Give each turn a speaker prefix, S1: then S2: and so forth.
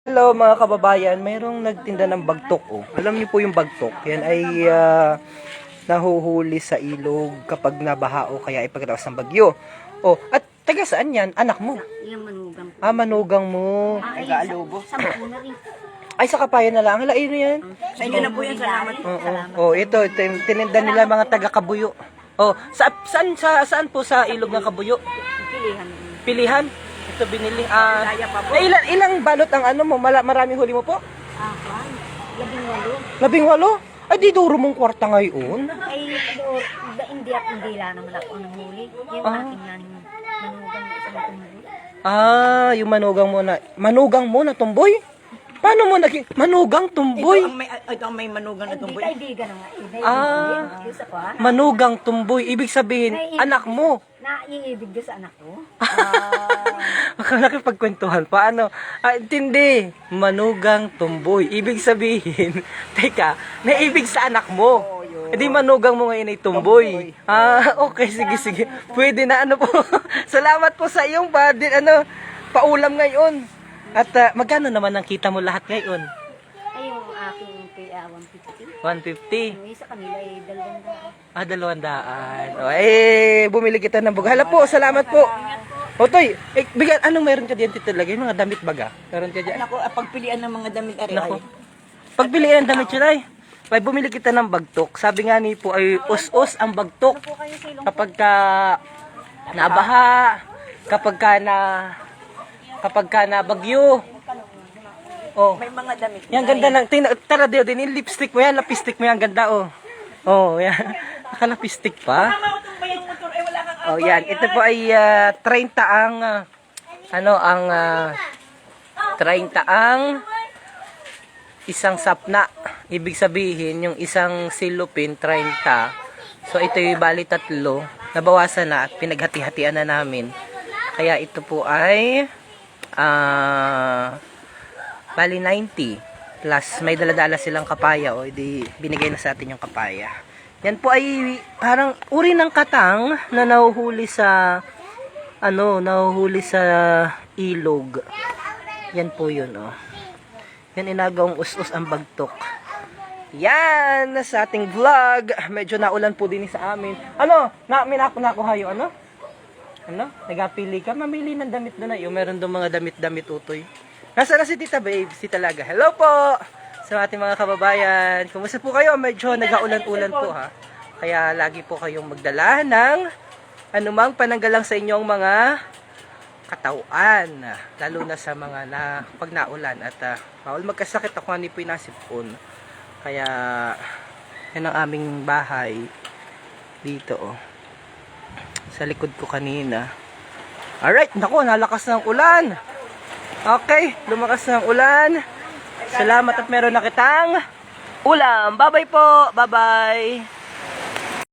S1: Hello mga kababayan, mayroong nagtinda ng bagtok. Oh. Alam niyo po yung bagtok, yan ay nahuhuli sa ilog kapag nabaha o kaya ay pagkatapos ng bagyo. Oh, at taga saan yan? Anak mo?
S2: Yung manugang po.
S1: Manugang mo.
S2: Taga-Alubo. Sa na rin.
S1: Ay, sa Kapayan na lang. Hala, ano yan?
S2: Sa inyo na po yan. Salamat po.
S1: Oh, ito, tininda nila mga taga-Kabuyo. Oh, saan po sa ilog ng Kabuyo?
S2: Pilihan.
S1: Pilihan? Ito binili.
S2: Kaya pa po.
S1: Ilang balot ang ano mo? Maraming huli mo po?
S2: 18.
S1: 18? Ay, di duro mong kwarta ngayon.
S2: Ay, hindi at hindi lang naman ako ng huli. Yung aking manugang na isang tumuli.
S1: Yung manugang mo na tumboy? Paano mo naging manugang tumboy?
S3: Ito ang may manugang na
S2: Hindi
S3: tumboy.
S2: kaibigan na nga. Isa ko ha.
S1: Manugang tumboy. Ibig sabihin, anak mo.
S2: Naiibig doon sa anak ko.
S1: Nakipagkwentuhan pa. Intindi. Manugang tumboy. Ibig sabihin, teka, naibig sa anak mo. Hindi manugang mo ngayon ay tumboy. Okay, sige. Pwede na po. Salamat po sa iyong paulam ngayon. At magkano naman ang kita mo lahat ngayon?
S2: Ay, yung aking kaya 150.
S1: 150.
S2: Yung isa kanila ay
S1: 200.
S2: 200.
S1: Bumili kita ng buga. Hala po, salamat po. Otoy, bigyan, anong meron ka diyan tito lagay? Mga damit baga? Meron ka diyan?
S3: Ako, pagpilian ng mga damit ari
S1: Nako. Pagpilian ng damit yun ay, bumili kita ng bagtok. Sabi nga ni po ay us-us ang bagtok. Kapag ka nabaha, kapag ka na bagyo. Oh.
S3: May mga damit.
S1: Yan ganda lang. Tara Deo, din yung lipstick mo yan, lapistik mo yan, ganda oh. Oh, yan. Nakalapistik pa. Oh, yan. Ito po ay 30 ang 30 ang isang sapna. Ibig sabihin, yung isang silupin 30. So ito yung bali 3. Nabawasan na at pinaghati-hatian na namin. Kaya ito po ay bali 90 plus may daladala silang kapaya o di binigay na sa atin yung kapaya. Yan po ay parang uri ng katang na nahuhuli sa ilog. Yan po yun oh. Yan inagawang us-us ang bagtok. Yan sa ating vlog. Medyo naulan po din sa amin. Nakuha yung nagapili ka, mamili ng damit doon na. Yung meron doon mga damit-damit utoy. Nasa na si Tita Babe, si Talaga. Hello po sa ating mga kababayan. Kumusta po kayo? Medyo nag-aulan-ulan po ha. Kaya lagi po kayong magdala ng anumang pananggalang sa inyong mga katawan. Lalo na sa mga pag naulan. At bawal magkasakit ako ni po nasipon. Kaya yan ang aming bahay dito oh. Sa likod ko kanina. Alright, naku, nalakas ng ulan. Okay, lumakas ng ulan. Salamat at meron na kitang ulam. Bye-bye po. Bye-bye.